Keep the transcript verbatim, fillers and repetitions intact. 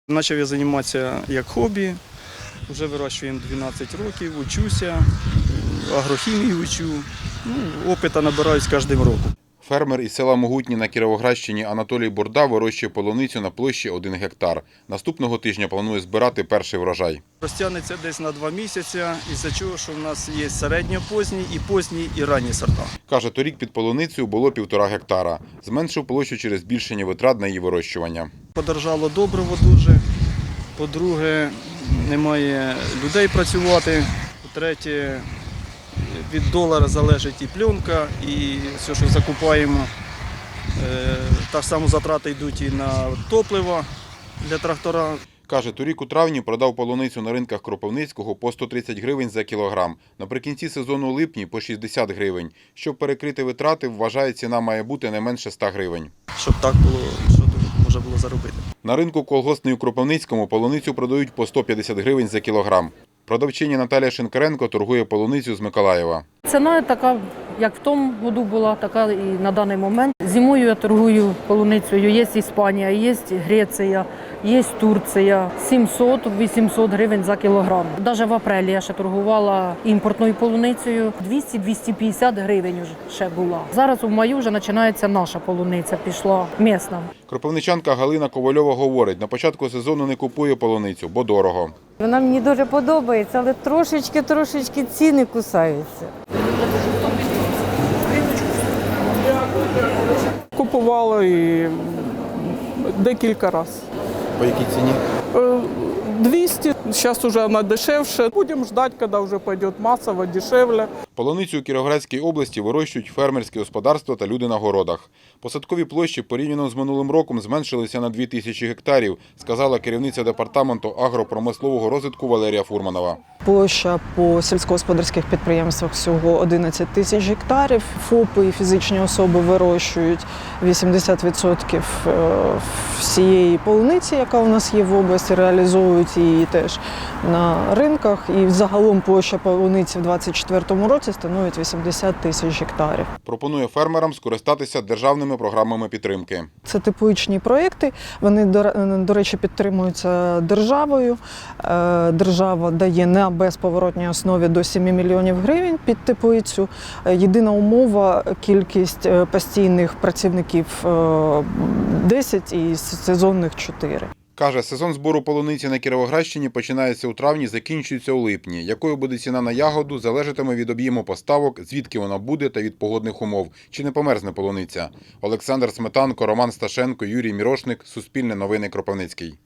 Почав я займатися як хобі, вже вирощуємо дванадцять років, учуся, агрохімію учу, ну, опиту набираюсь кожним роком. Фермер із села Могутні на Кіровоградщині Анатолій Бурда вирощує полуницю на площі один гектар. Наступного тижня планує збирати перший врожай. Розтягнеться десь на два місяці, із-за чого, що в нас є середньопозній, і поздні, і ранні сорта. Каже, торік під полуницею було півтора гектара. Зменшив площу через збільшення витрат на її вирощування. Подорожало добриво дуже. По-друге, немає людей працювати. По-третє, від долара залежить і пленка, і все, що закупаємо. Так само затрати йдуть і на топливо для трактора. Каже, торік у травні продав полуницю на ринках Кропивницького по сто тридцять гривень за кілограм. Наприкінці сезону у липні по шістдесят гривень. Щоб перекрити витрати, вважає, ціна має бути не менше ста гривень. Щоб так було, що тут можна було заробити. На ринку колгоспний у Кропивницькому полуницю продають по сто п'ятдесят гривень за кілограм. Продавчиня Наталія Шинкаренко торгує полуницю з Миколаєва. Ціна така, як в тому году була, така і на даний момент. Зимою я торгую полуницею. Є Іспанія, є Греція, є Турція. сімсот-вісімсот гривень за кілограм. Навіть в апрелі я ще торгувала імпортною полуницею. двісті - двісті п'ятдесят гривень ще була. Зараз у маю вже починається наша полуниця, пішла місна. Кропивничанка Галина Ковальова говорить, на початку сезону не купує полуницю, бо дорого. Вона мені дуже подобається, але трошечки-трошечки ціни кусаються. Купувала і декілька разів. По якій ціні? двісті, зараз вже вона дешевше. Будемо чекати, коли вже піде масово, дешевле. Полуницю у Кіровоградській області вирощують фермерські господарства та люди на городах. Посадкові площі порівняно з минулим роком зменшилися на дві тисячі гектарів, сказала керівниця департаменту агропромислового розвитку Валерія Фурманова. Площа по сільськогосподарських підприємствах всього одинадцять тисяч гектарів. ФОПи і фізичні особи вирощують вісімдесят відсотків всієї полуниці, яка у нас є в області, реалізовують її теж на ринках. І загалом площа полуниці в двадцять четвертому році становить вісімдесят тисяч гектарів. Пропонує фермерам скористатися державними програмами підтримки. Це тепличні проєкти, вони, до речі, підтримуються державою. Держава дає на безповоротній основі до семи мільйонів гривень під теплицю. Єдина умова – кількість постійних працівників десять і сезонних чотири. Каже, сезон збору полуниці на Кіровоградщині починається у травні, закінчується у липні. Якою буде ціна на ягоду, залежатиме від об'єму поставок, звідки вона буде та від погодних умов. Чи не померзне полуниця? Олександр Сметанко, Роман Сташенко, Юрій Мірошник. Суспільне новини Кропивницький.